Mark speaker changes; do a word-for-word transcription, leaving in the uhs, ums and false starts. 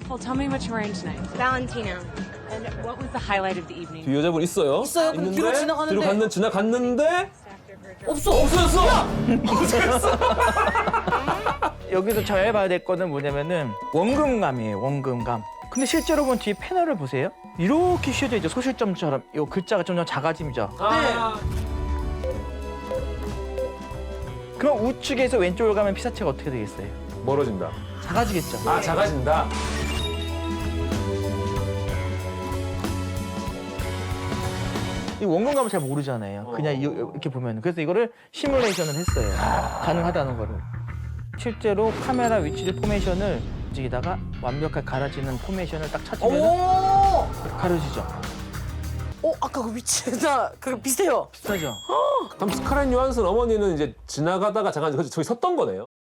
Speaker 1: Well, tell me what you're wearing tonight.
Speaker 2: Valentino.
Speaker 1: And what was the highlight of the evening?
Speaker 3: 뒤 여자분 있어요.
Speaker 4: 있어요? 근데 뒤로 지나가는데.
Speaker 3: 뒤로 갔는, 지나갔는데
Speaker 4: 없어.
Speaker 3: 없어졌어.
Speaker 5: 여기서 잘 봐야 될 거는 뭐냐면은 원금감이에요, 원금감. 근데 실제로 보면 뒤에 패널을 보세요. 이렇게 휘어져 있죠, 소실점처럼. 이 글자가 점점 작아집니다.
Speaker 3: 아,
Speaker 5: 그럼 우측에서 왼쪽으로 가면 피사체가 어떻게 되겠어요?
Speaker 3: 멀어진다.
Speaker 5: 작아지겠죠.
Speaker 3: 아, 작아진다.
Speaker 5: 이 원근감을 잘 모르잖아요. 그냥 이- 이렇게 보면. 그래서 이거를 시뮬레이션을 했어요. 가능하다는 거를. 실제로 카메라 위치를 포메이션을 움직이다가 완벽하게 가려지는 포메이션을 딱 찾으면
Speaker 4: 오!
Speaker 5: 가려지죠.
Speaker 4: 어, 아까 그 위치나 그거 비슷해요.
Speaker 5: 비슷하죠?
Speaker 3: 그럼 스카렛 요한슨 어머니는 이제 지나가다가 잠깐 저기 섰던 거네요.